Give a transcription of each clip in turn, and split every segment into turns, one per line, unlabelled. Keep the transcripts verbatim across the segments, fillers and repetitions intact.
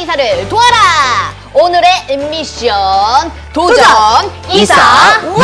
이사를 도와라! 오늘의 미션 도전,
도전!
이사 왕!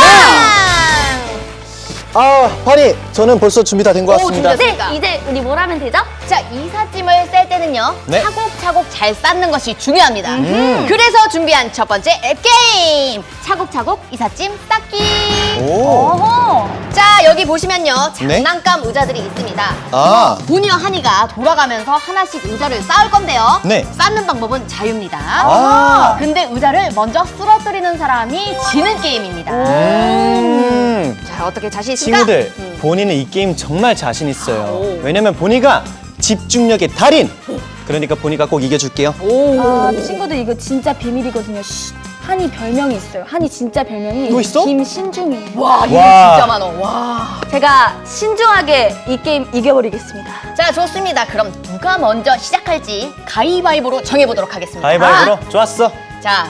아, 환희, 저는 벌써 준비 다 된 것
오,
같습니다.
준비됐습니다.
네, 이제 우리 뭘 하면 되죠?
자, 이삿짐을 쌀 때는요,
네.
차곡차곡 잘 쌓는 것이 중요합니다.
음.
그래서 준비한 첫 번째 게임! 차곡차곡 이삿짐 쌓기!
오.
어허.
자, 여기 보시면요,
네.
장난감 의자들이 있습니다.
아.
보니와 한이가 돌아가면서 하나씩 의자를 쌓을 건데요.
네.
쌓는 방법은 자유입니다.
아.
근데 의자를 먼저 쓰러뜨리는 사람이 지는 게임입니다.
음.
자, 어떻게 자신 있습니까?
친구들,
음.
본인은 이 게임 정말 자신 있어요.
오.
왜냐면 본이가 집중력의 달인. 그러니까 본이가 꼭 이겨줄게요.
오.
아, 친구들 이거 진짜 비밀이거든요. 쉿. 한이 별명이 있어요. 한이 진짜 별명이
또 있어?
김신중이에요.
와, 이거
와.
진짜 많어. 와.
제가 신중하게 이 게임 이겨버리겠습니다.
자, 좋습니다. 그럼 누가 먼저 시작할지 가위바위보로 정해보도록 하겠습니다.
가위바위보로? 좋았어.
자,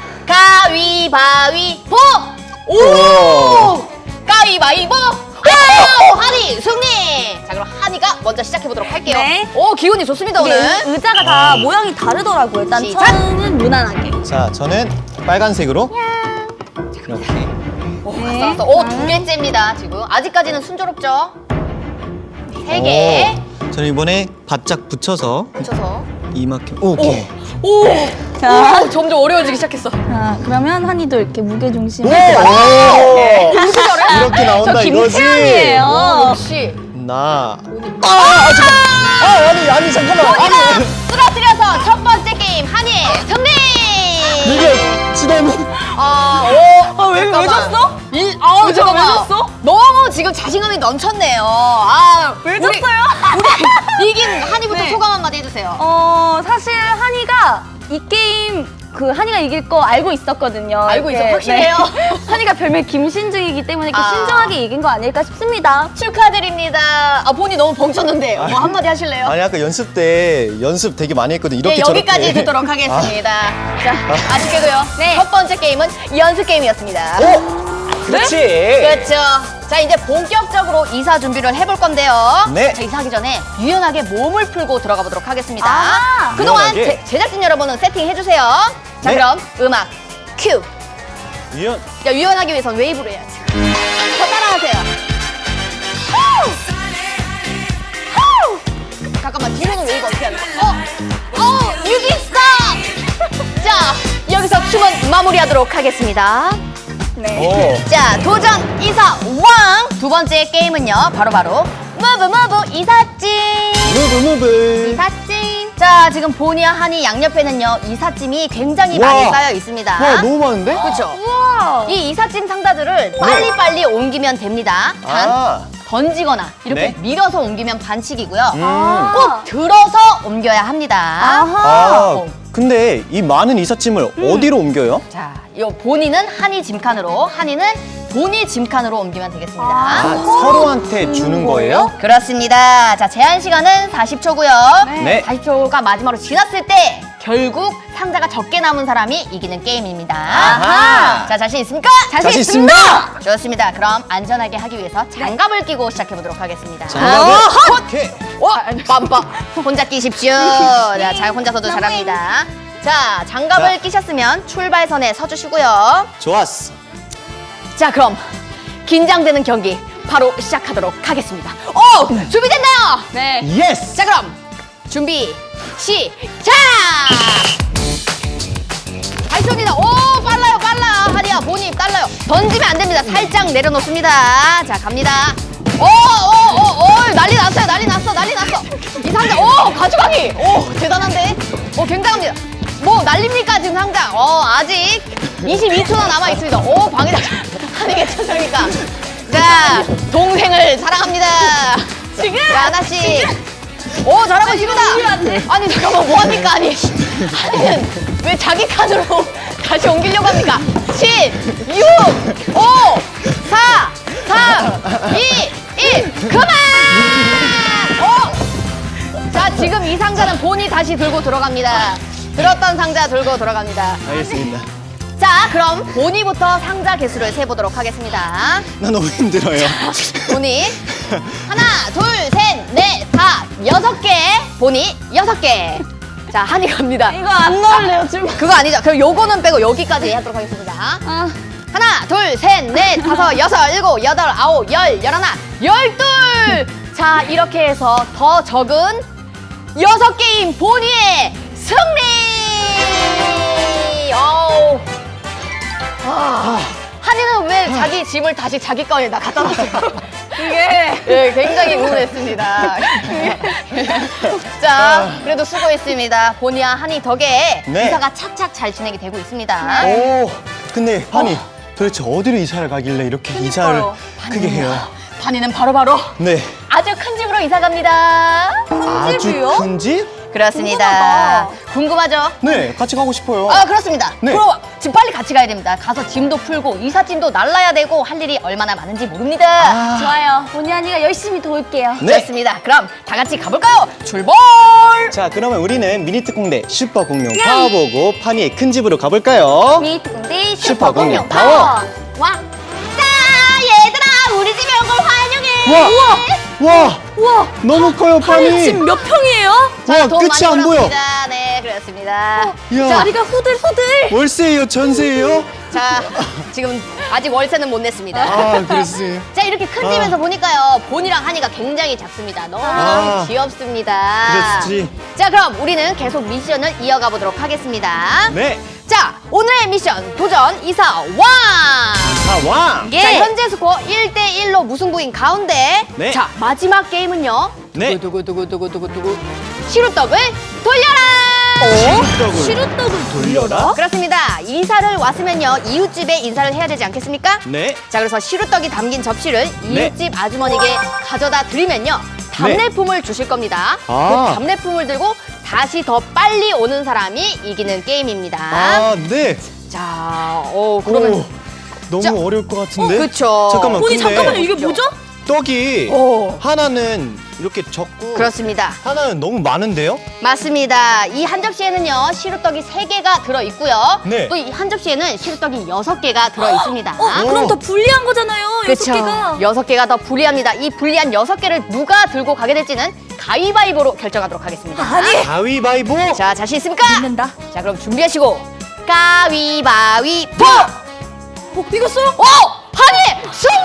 가위바위보! 오!
오.
가위바위보! 오! 한이 승리! 자, 그럼 한이가 먼저 시작해보도록 할게요.
네.
오, 기운이 좋습니다,
이게
오늘.
의자가 다 모양이 다르더라고요. 일단
시작!
처음은 무난하게.
자, 저는 빨간색으로. 이렇게.
오,
네.
왔어, 왔어. 오, 두 개째입니다, 지금. 아직까지는 순조롭죠? 세 개.
오. 저는 이번에 바짝 붙여서
붙여서.
이만큼. 오케이.
오!
자.
오, 점점 어려워지기 시작했어.
자, 그러면 한이도 이렇게 무게 중심을
오.
무슨 저래?
이렇게 나온다
저
이거지.
김태현이에요.
오, 역시.
나. 아, 아, 잠깐. 아, 아니, 아니, 잠깐만.
본이가
아니.
쓰러뜨려서 첫 번째 게임 한이 승리!
이게 지나면.
아, 오.
아, 왜- 왜
잠깐만.
졌어?
일, 아,
왜 졌-
잠깐만.
왜 졌어?
너무 지금 자신감이 넘쳤네요. 아,
왜
우리-
졌어요?
우리 이긴 한이부터
네.
소감 한마디 해주세요.
어, 사실 한이가 이 게임 그 한이가 이길 거 알고 있었거든요.
알고
이렇게.
있어, 확실해요?
네. 한이가 별명 김신중이기 때문에 이렇게
아.
신중하게 이긴 거 아닐까 싶습니다.
축하드립니다. 아, 본이 너무 벙쳤는데 뭐 한마디 하실래요?
아니, 아까 연습 때 연습 되게 많이 했거든. 이렇게
네, 여기까지
저렇게.
듣도록 하겠습니다. 자, 아쉽게도요.
네.
첫 번째 게임은 연습 게임이었습니다.
그렇지.
그렇죠. 자, 이제 본격적으로 이사 준비를 해볼 건데요.
네.
자, 이사하기 전에 유연하게 몸을 풀고 들어가 보도록 하겠습니다.
아,
그동안
유연하게.
제, 제작진 여러분은 세팅해주세요. 자,
네.
그럼 음악 큐.
유연.
야, 유연하기 위해선 웨이브로 해야지. 더 따라하세요. 후! 후! 잠깐만, 뒤로는 웨이브 어떻게 하는 거야? 어, 어, 유기 스탑! 자, 여기서 춤은 마무리하도록 하겠습니다.
네.
오.
자, 도전 이사 왕! 두 번째 게임은요, 바로바로 무브 무브 이삿짐!
무브 무브.
이삿짐! 자, 지금 보니와 한이 양옆에는요, 이삿짐이 굉장히
와.
많이 쌓여 있습니다.
와, 너무 많은데?
그렇죠?
우와.
이 이삿짐 상자들을 빨리빨리 옮기면 됩니다. 단,
아.
던지거나 이렇게
네.
밀어서 옮기면 반칙이고요.
음.
아.
꼭 들어서 옮겨야 합니다.
아하.
아, 근데 이 많은 이삿짐을 어디로 옮겨요?
자, 이 본이는 한이 짐칸으로, 한이는 본이 짐칸으로 옮기면 되겠습니다.
아,
아.
서로한테 주는 거예요?
그렇습니다. 자, 제한 시간은 사십 초고요.
네.
사십 초가 마지막으로 지났을 때 결국 상자가 적게 남은 사람이 이기는 게임입니다.
아하.
자, 자신 있습니까?
자신 있습니다.
좋습니다. 그럼 안전하게 하기 위해서 장갑을 끼고 시작해 보도록 하겠습니다.
장갑을.
아,
오케이.
와, 빰빰. 혼자 끼십시오. 자, 자, 혼자서도 잘합니다. 자, 장갑을
자.
끼셨으면 출발선에 서주시고요.
좋았어.
자, 그럼 긴장되는 경기 바로 시작하도록 하겠습니다. 오! 준비됐나요?
네.
예스.
자, 그럼 준비 시작! 발표입니다. 오, 빨라요, 빨라. 하리야, 보니 빨라요. 던지면 안 됩니다. 살짝 내려놓습니다. 자, 갑니다. 오, 오, 오, 오, 난리 났어요. 난리 났어, 난리 났어. 이 상자, 오, 가져가기. 오, 대단한데? 오, 굉장합니다. 뭐 난립니까 지금 상자? 어, 아직 이십이 초나 남아 있습니다. 오, 방해다. 하는 게 천상이니까. 자, 동생을 사랑합니다.
지금?
자, 하나씩. 오, 잘하고 있습니다. 아니, 잠깐만, 뭐합니까? 아니, 아니는 왜 자기 칸으로 다시 옮기려고 합니까? 칠, 육, 오, 사, 삼, 이, 일, 그만! 오! 자, 지금 이 상자는 본이 다시 들고 들어갑니다. 들었던 상자 들고 들어갑니다.
알겠습니다.
자, 그럼 본이부터 상자 개수를 세보도록 하겠습니다.
나 너무 힘들어요.
본이 하나, 둘, 셋, 넷, 다, 여섯 개. 본이 여섯 개. 자, 한이 갑니다.
이거 안 넣을래요, 줄.
그거 아니죠? 그럼 요거는 빼고 여기까지 하도록 하겠습니다.
아,
하나, 둘, 셋, 넷, 다섯, 여섯, 일곱, 여덟, 아홉, 열, 열하나, 열둘! 자, 이렇게 해서 더 적은 여섯 게임 본의의 승리! 어우. 아, 한이는 왜 자기 짐을 다시 자기 거에다 갖다 놨어요?
이게.
예, 굉장히 우울했습니다. 자, 그래도 수고했습니다. 본의와 한이 덕에
네.
이사가 착착 잘 진행이 되고 있습니다.
오, 근데 한이 도대체 어디로 이사를 가길래 이렇게 이사를 크게 해요?
한이는 바로바로
네.
아주 큰 집으로 이사 갑니다.
아주
집이요?
큰 집?
그렇습니다. 궁금하죠?
네, 같이 가고 싶어요.
아, 그렇습니다.
네.
그럼 지금 빨리 같이 가야 됩니다. 가서 짐도 풀고 이삿짐도 날라야 되고 할 일이 얼마나 많은지 모릅니다.
아.
좋아요. 본의 아니가 열심히 도울게요.
네.
좋습니다. 그럼 다 같이 가볼까요? 출발!
자, 그러면 우리는 미니 특공대 슈퍼 공룡 파워 보고 파니의 큰 집으로 가볼까요?
미니 특공대
슈퍼
슈퍼
공룡
공룡
파워.
파워. 와.
자, 얘들아, 우리 집에 온 걸 환영해.
와, 와,
우와.
너무 커요, 파니.
집 몇 평이에요?
와,
돈
끝이
많이
안 보여.
벌었습니다. 네, 그렇습니다.
이야,
다리가 후들후들.
월세예요, 전세예요?
자, 지금 아직 월세는 못 냈습니다.
아, 그랬어요.
자, 이렇게 큰
아.
집에서 보니까요, 본이랑 한이가 굉장히 작습니다. 너무
아.
귀엽습니다.
그렇지.
자, 그럼 우리는 계속 미션을 이어가 보도록 하겠습니다.
네.
자, 오늘의 미션 도전 이사 왕!
자, 왕.
예.
자, 현재 스코어 일 대 일로 무승부인 가운데
네.
자, 마지막 게임은요.
네.
두구두구두구두구두구 시루떡을 돌려라!
시루떡을
시루떡을
돌려라?
그렇습니다. 이사를 왔으면요, 이웃집에 인사를 해야 되지 않겠습니까?
네.
자, 그래서 시루떡이 담긴 접시를
네.
이웃집 아주머니에게 가져다 드리면요, 답례품을 주실 겁니다.
아.
그 답례품을 들고 다시 더 빨리 오는 사람이 이기는 게임입니다.
아, 네.
자, 어 그러면
오, 너무
자,
어려울 것 같은데?
어, 그쵸.
잠깐만,
본이
근데
잠깐만요. 이게 뭐죠?
떡이
오.
하나는 이렇게 적고
그렇습니다.
하나는 너무 많은데요?
맞습니다. 이 한 접시에는요, 시루떡이 세 개가 들어 있고요.
네.
또 이 한 접시에는 시루떡이 여섯 개가 들어 있습니다.
어, 그럼 더 불리한 거잖아요. 여섯
그쵸.
개가.
여섯 개가 더 불리합니다. 이 불리한 여섯 개를 누가 들고 가게 될지는 가위바위보로 결정하도록 하겠습니다.
아니.
가위바위보.
자, 자신 있습니까?
믿는다.
자, 그럼 준비하시고 가위바위보!
어, 이겼어요?
오! 한이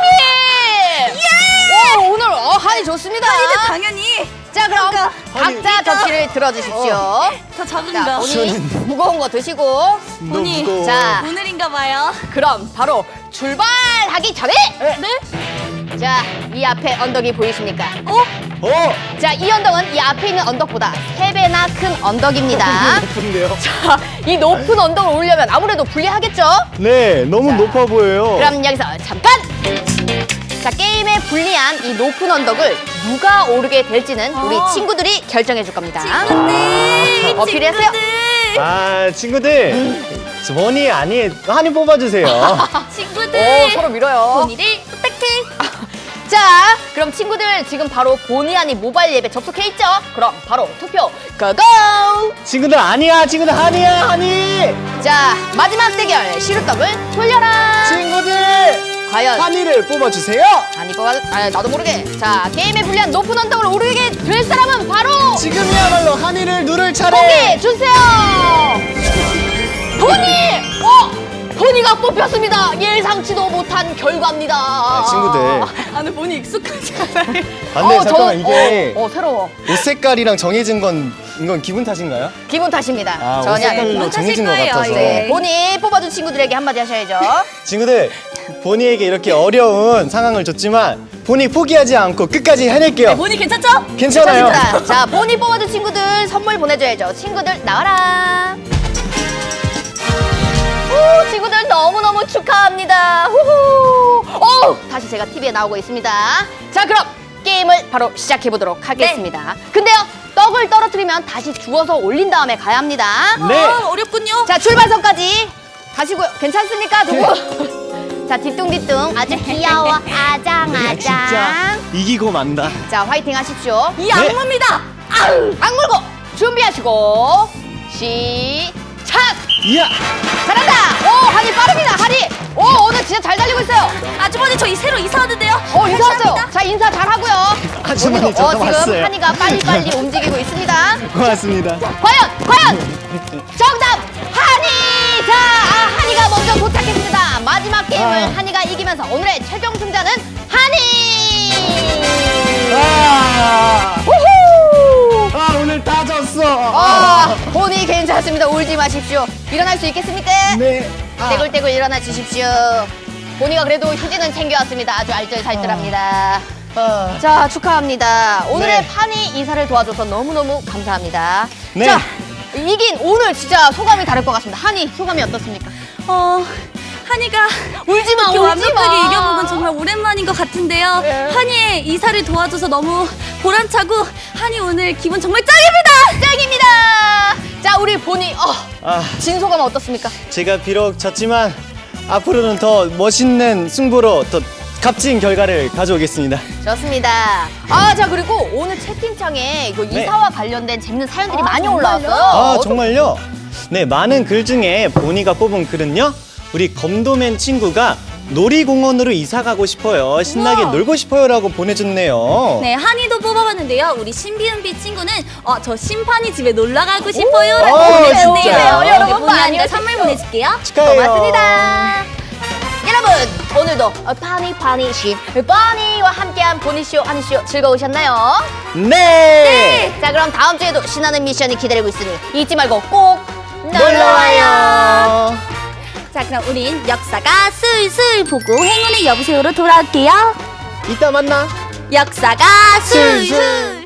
승리! 예! 오, 오늘 어, 한이 좋습니다.
이제 당연히
자, 그럼
잠깐.
각자
한이
접시를 들어주십시오.
더
자,
작은가.
본인
저는-
무거운 거 드시고
너무
본이.
무거워.
자.
오늘인가 봐요.
그럼 바로 출발하기 전에
네?
자, 이 앞에 언덕이 보이십니까?
어?
어!
자, 이 언덕은 이 앞에 있는 언덕보다 세 배나 큰 언덕입니다.
높은데요?
자, 이 높은 언덕을 오르려면 아무래도 불리하겠죠?
네, 너무
자,
높아 보여요.
그럼 여기서 잠깐! 자, 게임에 불리한 이 높은 언덕을 누가 오르게 될지는 우리
어.
친구들이 결정해 줄 겁니다.
친구들.
어필했어요?
친구들.
아, 친구들. 원이 아니, 한이 뽑아주세요.
친구들.
오, 서로 밀어요.
본이를 부탁해.
자, 그럼 친구들 지금 바로 본의 아닌 모바일 앱에 접속해 있죠? 그럼 바로 투표 고고!
친구들 아니야, 친구들 한이야, 한이.
자, 마지막 대결 시루떡을 돌려라!
친구들
과연
한이를 뽑아주세요.
아니 뽑아 아 나도 모르게 자 게임에 불리한 높은 언덕을 오르게 될 사람은 바로
지금이야말로 한이를 누를 차례.
보기 주세요. 보니 어 보니가 뽑혔습니다. 예상치도 못한 결과입니다.
아, 친구들.
아, 근데 본이 익숙하지 않아요.
아, 근데
어,
잠깐만
저-
이게
어, 어 새로워.
옷 색깔이랑 정해진 건 이건 기분 탓인가요?
기분 탓입니다.
아, 옷
전혀
색깔로
아닙니다.
정해진 것
거예요,
같아서.
이게.
네, 보니 뽑아준 친구들에게 한마디 하셔야죠.
친구들, 보니에게 이렇게 어려운 상황을 줬지만 보니 포기하지 않고 끝까지 해낼게요.
본이 괜찮죠?
괜찮아요.
좋습니다. 자, 보니 뽑아준 친구들 선물 보내줘야죠. 친구들 나와라. 오, 친구들 너무너무 축하합니다. 후후. 오, 다시 제가 티비에 나오고 있습니다. 자, 그럼 게임을 바로 시작해보도록 하겠습니다. 근데요, 떡을 떨어뜨리면 다시 주워서 올린 다음에 가야 합니다.
네.
아, 어렵군요.
자, 출발선까지 가시고요. 괜찮습니까, 두 분? 자, 뒤뚱뒤뚱 아주 귀여워. 아장아장.
진짜 이기고 만다.
자, 화이팅 하십시오.
이 악마입니다.
악물고 준비하시고 시작.
이야.
잘한다. 오, 한이 빠릅니다. 한이. 오, 오늘 아주머니가 진짜 잘 달리고 있어요.
아주머니 저희 새로 이사 왔는데요.
어, 인사 왔어요. 자, 인사 잘 하고요.
아주머니,
본인도,
저도
어, 지금
왔어요.
한이가 빨리빨리 움직이고 있습니다.
고맙습니다.
과연, 과연 정답 한이. 자, 아, 한이가 먼저 도착했습니다. 마지막 게임을
아.
한이가 이기면서 오늘의 최종 승자는 한이.
아,
우후.
아 오늘 다 졌어.
아, 본이 괜찮습니다. 울지 마십시오. 일어날 수 있겠습니까?
네. 아,
떼굴떼굴 일어나 주십시오. 본이가 그래도 휴지는 챙겨왔습니다. 아주 알뜰살뜰합니다.
아.
자, 축하합니다. 오늘의
네.
판이 이사를 도와줘서 너무너무 감사합니다.
네.
자, 이긴 오늘 진짜 소감이 다를 것 같습니다. 한이, 소감이 어떻습니까?
어, 한이가
울지 마,
이렇게
울지
완벽하게
마.
이겨본 건 정말 오랜만인 것 같은데요.
네.
한이의 이사를 도와줘서 너무 보람차고 한이 오늘 기분 정말 짱입니다.
짱입니다. 자, 우리 본이, 어,
아,
진 소감 어떻습니까?
제가 비록 졌지만 앞으로는 더 멋있는 승부로 더 값진 결과를 가져오겠습니다.
좋습니다. 아, 자, 그리고 오늘 채팅창에 이거
네.
이사와 관련된 재밌는 사연들이
아,
많이
정말요?
올라왔어요.
아
어떤-
정말요? 네, 많은 글 중에 보니가 뽑은 글은요, 우리 검도맨 친구가 놀이공원으로 이사 가고 싶어요, 신나게
우와.
놀고 싶어요라고 보내줬네요.
네, 한이도 뽑아봤는데요. 우리 신비은비 친구는 어, 저 심판이 집에 놀러 가고 싶어요. 라고
오,
보내줬네요.
진짜요?
여러분,
네, 본인한테
많이
선물 보내줄게요.
축하해요.
고맙습니다. 여러분, 오늘도 어, 파니 파니 씨, 파니와 함께한 보니쇼, 한이쇼 즐거우셨나요?
네.
자, 그럼 다음 주에도 신나는 미션이 기다리고 있으니 잊지 말고 꼭 놀러와요.
놀러와요.
자, 그럼 우린 역사가 술술 보고 행운의 여보세요로 돌아올게요.
이따 만나.
역사가
술술.
술술.